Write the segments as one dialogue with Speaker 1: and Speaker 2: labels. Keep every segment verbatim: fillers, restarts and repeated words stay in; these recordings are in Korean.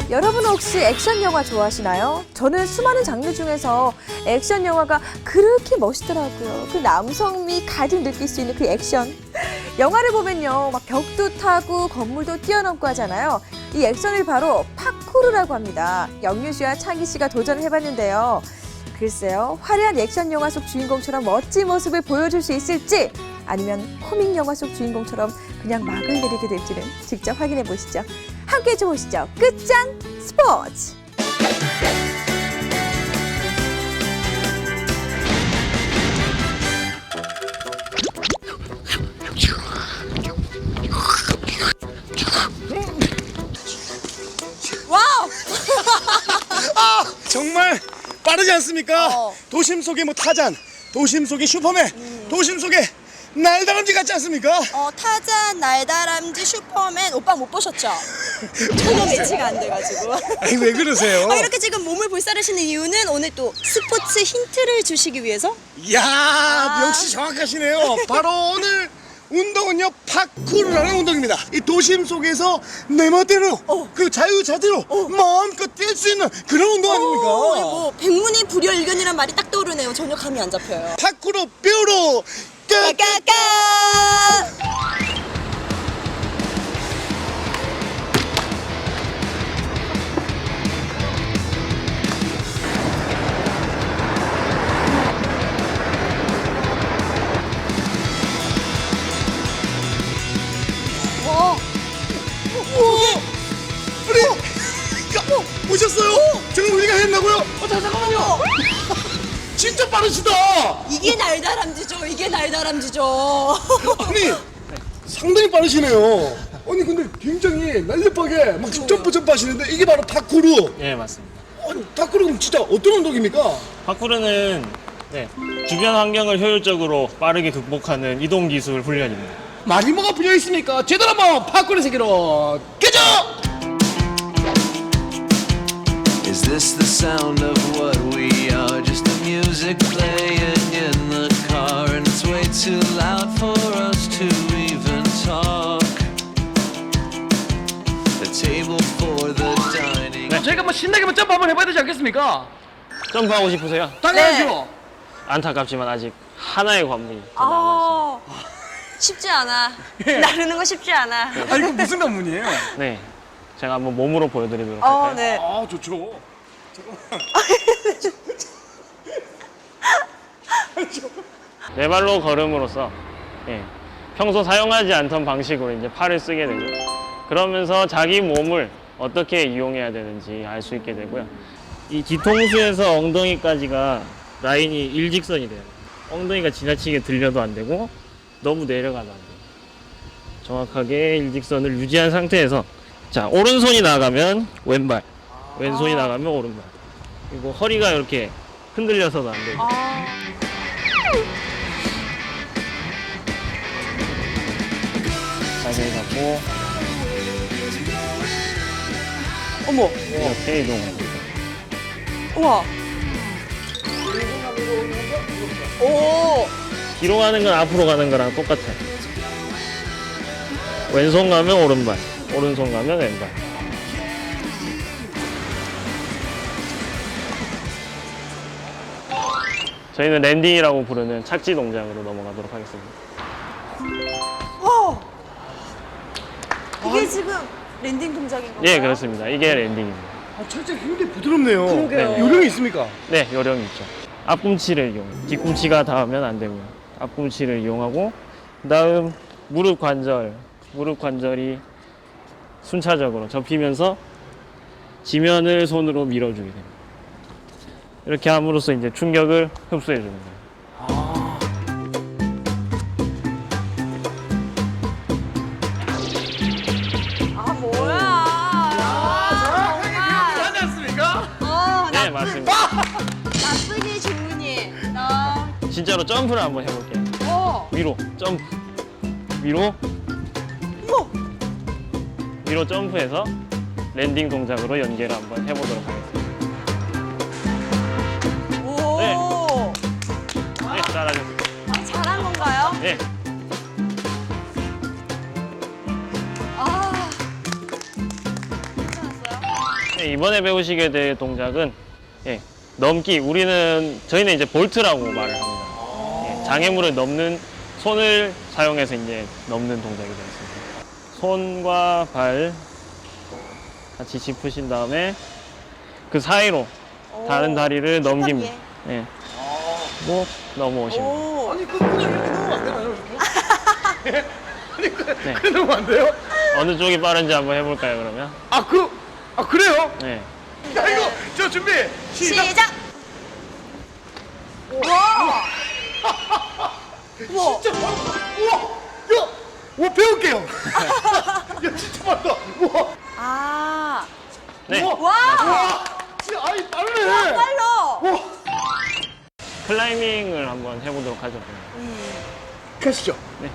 Speaker 1: 여러분 혹시 액션 영화 좋아하시나요? 저는 수많은 장르 중에서 액션 영화가 그렇게 멋있더라고요. 그 남성미 가득 느낄 수 있는 그 액션. 영화를 보면요, 막 벽도 타고 건물도 뛰어넘고 하잖아요. 이 액션을 바로 파쿠르라고 합니다. 영유 씨와 창희 씨가 도전을 해봤는데요. 글쎄요, 화려한 액션 영화 속 주인공처럼 멋진 모습을 보여줄 수 있을지, 아니면 코믹 영화 속 주인공처럼 그냥 막을 내리게 될지는 직접 확인해 보시죠. 함께 해보시죠. 끝장 스포츠! 와우!
Speaker 2: 아, 정말 빠르지 않습니까?
Speaker 1: 어.
Speaker 2: 도심 속의 뭐 타잔, 도심 속의 슈퍼맨,
Speaker 1: 음.
Speaker 2: 도심 속의 날다람쥐 같지 않습니까?
Speaker 3: 어, 타잔, 날다람쥐, 슈퍼맨 오빠 못 보셨죠? 전혀 매치가 안 돼가지고.
Speaker 2: 아니, 왜 그러세요?
Speaker 3: 어, 이렇게 지금 몸을 불사르시는 이유는 오늘 또 스포츠 힌트를 주시기 위해서?
Speaker 2: 이야,
Speaker 3: 아.
Speaker 2: 역시 정확하시네요. 바로 오늘 운동은요, 파쿠르라는 운동입니다. 이 도심 속에서 내 멋대로,
Speaker 3: 어.
Speaker 2: 그 자유자재로 마음껏 뛸 수 있는 그런 운동 아닙니까?
Speaker 3: 어, 뭐 백문이 불여일견이란 말이 딱 떠오르네요. 전혀 감이 안 잡혀요.
Speaker 2: 파쿠르 뾰로 끝!
Speaker 3: 까까까!
Speaker 1: 와,
Speaker 2: 우리 이거 보셨어요? 지금 우리가 했나고요? 어, 자, 잠깐만요. 진짜 빠르시다.
Speaker 3: 이게 날다람쥐죠. 이게 날다람쥐죠.
Speaker 2: 아니, 상당히 빠르시네요. 아니, 근데 굉장히 날렵하게 막 점프 점프 하시는데 이게 바로 파쿠르.
Speaker 4: 예, 맞습니다.
Speaker 2: 아니, 파쿠르는 진짜 어떤 운동입니까?
Speaker 4: 파쿠르는 네, 주변 환경을 효율적으로 빠르게 극복하는 이동 기술 훈련입니다.
Speaker 2: 말이 뭐가 붙여 있습니까? 제대로 한번 파쿠르 세계로 가죠.
Speaker 5: Is this the sound of what we are? Just the music playing in the car, and it's way too loud for us to even talk. The table for the dining.
Speaker 6: 저희가 뭐 신나게 한번 점프 한번 해봐야 되지 않겠습니까?
Speaker 4: 점프하고 싶으세요?
Speaker 6: 당연하죠.
Speaker 4: 안타깝지만 아직 하나의 관문이 더 남아있습니다.
Speaker 3: 아, 쉽지 않아. 나르는 거 쉽지 않아.
Speaker 6: 아, 이거 무슨 관문이에요?
Speaker 4: 네, 제가 한번 몸으로 보여드리도록
Speaker 3: 어,
Speaker 4: 할까요?
Speaker 3: 네.
Speaker 2: 아, 좋죠.
Speaker 4: 네 발로 걸음으로써 예, 평소 사용하지 않던 방식으로 이제 팔을 쓰게 되고, 그러면서 자기 몸을 어떻게 이용해야 되는지 알 수 있게 되고요. 이 뒤통수에서 엉덩이까지가 라인이 일직선이 돼요. 엉덩이가 지나치게 들려도 안 되고 너무 내려가도 안 돼요. 정확하게 일직선을 유지한 상태에서, 자, 오른손이 나가면 왼발, 왼손이 나가면 오른발. 그리고 허리가 이렇게 흔들려서도 안 되고. 자세히 잡고
Speaker 3: 어머,
Speaker 4: 이렇게 이동합니다.
Speaker 3: 우와. 오,
Speaker 4: 뒤로 가는 건 앞으로 가는 거랑 똑같아요. 왼손 가면 오른발, 오른손 가면 왼발. 저희는 랜딩이라고 부르는 착지 동작으로 넘어가도록 하겠습니다.
Speaker 3: 와. 이게 지금 랜딩 동작인 건가요?
Speaker 4: 예, 그렇습니다. 이게 랜딩입니다.
Speaker 2: 아, 철제 굉장히 부드럽네요.
Speaker 3: 그러게요.
Speaker 2: 네. 요령이 있습니까?
Speaker 4: 네, 요령이 있죠. 앞꿈치를 이용, 뒤꿈치가 닿으면 안 되고요. 앞꿈치를 이용하고, 그다음 무릎 관절, 무릎 관절이 순차적으로 접히면서 지면을 손으로 밀어주게 됩니다. 이렇게 함으로써 이제 충격을 흡수해 주는 거예요.
Speaker 3: 아, 뭐야. 아,
Speaker 6: 하지 않습니까?
Speaker 3: 어,
Speaker 4: 네, 맞습니다.
Speaker 3: 나쁘니 좋으니. 나.
Speaker 4: 진짜로 점프를 한번 해볼게요.
Speaker 3: 어.
Speaker 4: 위로 점프, 위로,
Speaker 3: 어머.
Speaker 4: 위로 점프해서 랜딩 동작으로 연계를 한번 해보도록 하겠습니다.
Speaker 3: 오.
Speaker 4: 네. 네, 잘하셨습니다.
Speaker 3: 잘한 건가요?
Speaker 4: 네.
Speaker 3: 아.
Speaker 4: 네, 네, 이번에 배우시게 될 동작은 예, 넘기. 우리는 저희는 이제 볼트라고 말을 합니다. 예, 장애물을 넘는 손을 사용해서 이제 넘는 동작이 되겠습니다. 손과 발 같이 짚으신 다음에 그 사이로 다른 다리를 넘깁니다. 예. 뭐 넘어오시면 돼요.
Speaker 3: 오.
Speaker 2: 아니 그 그냥 이렇게 넣으면 안 되나요 이렇게? 예? 아니 그,
Speaker 4: 네.
Speaker 2: 그냥 넣으면 안 돼요?
Speaker 4: 어느 쪽이 빠른지 한번 해볼까요, 그러면?
Speaker 2: 아 그, 아 그래요?
Speaker 4: 네.
Speaker 2: 야 이거 저 준비 시작!
Speaker 3: 시작. 와. 우와.
Speaker 2: 진짜 빠르다. 우와! 야! 와 배울게요! 야 진짜 빠르다! 우와!
Speaker 3: 아.
Speaker 4: 네.
Speaker 2: 우와!
Speaker 3: 와.
Speaker 2: 와! 진짜 아이 빠르네!
Speaker 3: 빨라.
Speaker 2: 우와!
Speaker 4: 클라이밍을 한번 해보도록 하죠.
Speaker 2: 가시죠.
Speaker 4: 네.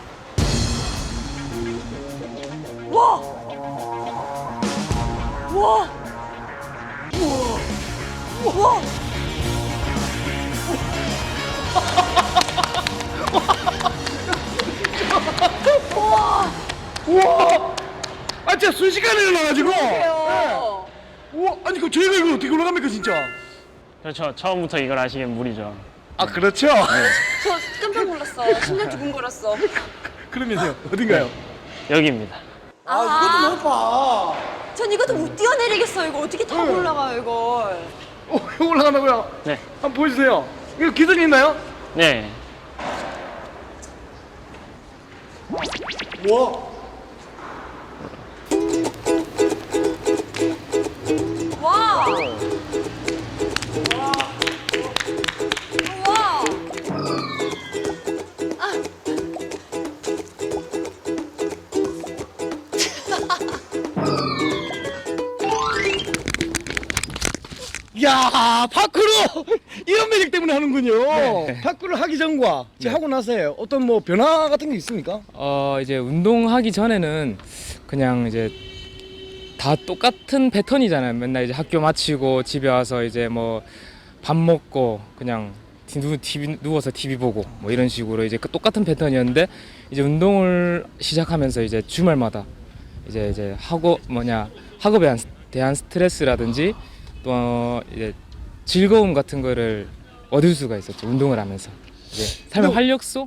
Speaker 3: 와. 와. 우와. 와.
Speaker 2: 우와! 아 진짜 순식간에 올라가지고!
Speaker 3: 그래요.
Speaker 2: 우와! 아니 그 저희가 이거 어떻게 올라갑니까 진짜?
Speaker 4: 그렇죠. 처음부터 이걸 아시면 무리죠.
Speaker 2: 아 그렇죠?
Speaker 3: 저 깜짝 놀랐어. 심장 두근거렸어.
Speaker 2: 그러면서요 어딘가요?
Speaker 4: 여기입니다.
Speaker 2: 아 이것도 높아!
Speaker 3: 전 이것도 못 뛰어내리겠어. 이거 어떻게 타고
Speaker 2: 네.
Speaker 3: 올라가요, 이걸.
Speaker 2: 어 이거 올라간다고요?
Speaker 4: 네.
Speaker 2: 한번 보여주세요. 이거 기술이 있나요?
Speaker 4: 네.
Speaker 2: 와!
Speaker 3: 와. 와.
Speaker 2: 야 파크로 이런 매력 때문에 하는군요. 파크를 하기 전과 이제 하고 나서요 어떤 뭐 변화 같은 게 있습니까?
Speaker 7: 어 이제 운동하기 전에는 그냥 이제 다 똑같은 패턴이잖아요. 맨날 이제 학교 마치고 집에 와서 이제 뭐 밥 먹고 그냥 누, 티비, 누워서 티비 보고 뭐 이런 식으로 이제 그 똑같은 패턴이었는데 이제 운동을 시작하면서 이제 주말마다 이제 이제 학업 뭐냐 학업에 대한, 대한 스트레스라든지 또 이제 즐거움 같은 거를 얻을 수가 있었죠. 운동을 하면서 이제 삶의
Speaker 2: 네.
Speaker 7: 활력소.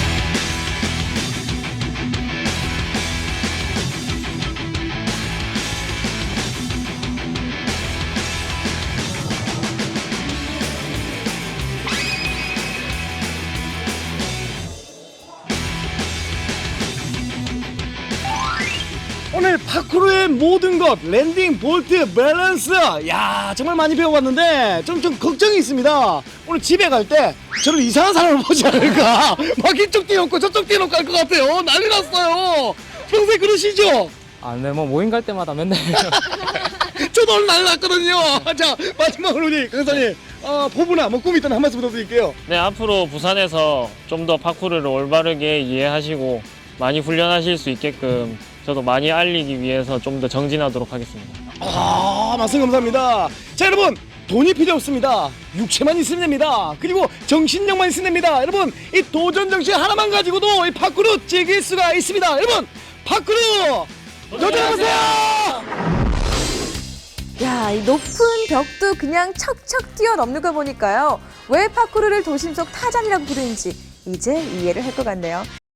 Speaker 2: 오늘 파크로의 모든 것 랜딩, 볼트, 밸런스 야 정말 많이 배워봤는데 좀, 좀 걱정이 있습니다. 오늘 집에 갈 때 저를 이상한 사람을 보지 않을까 막 이쪽 뛰어놓고 저쪽 뛰어놓고 할 것 같아요. 난리 났어요. 평소에 그러시죠?
Speaker 7: 아, 네, 뭐 모임 갈 때마다 맨날
Speaker 2: 저도 오늘 난리 났거든요. 자 마지막으로 우리 강사님 어, 포부나 뭐 꿈이 있다면 한 말씀 부탁드릴게요.
Speaker 4: 네, 앞으로 부산에서 좀 더 파쿠르를 올바르게 이해하시고 많이 훈련하실 수 있게끔 저도 많이 알리기 위해서 좀 더 정진하도록 하겠습니다.
Speaker 2: 아 말씀 감사합니다. 자 여러분 돈이 필요 없습니다. 육체만 있으면 됩니다. 그리고 정신력만 있으면 됩니다. 여러분 이 도전 정신 하나만 가지고도 이 파크로 즐길 수가 있습니다. 여러분 파크로 도전하세요.
Speaker 1: 야, 이 높은 벽도 그냥 척척 뛰어넘는 거 보니까요. 왜 파쿠르를 도심 속 타잔이라고 부르는지 이제 이해를 할 것 같네요.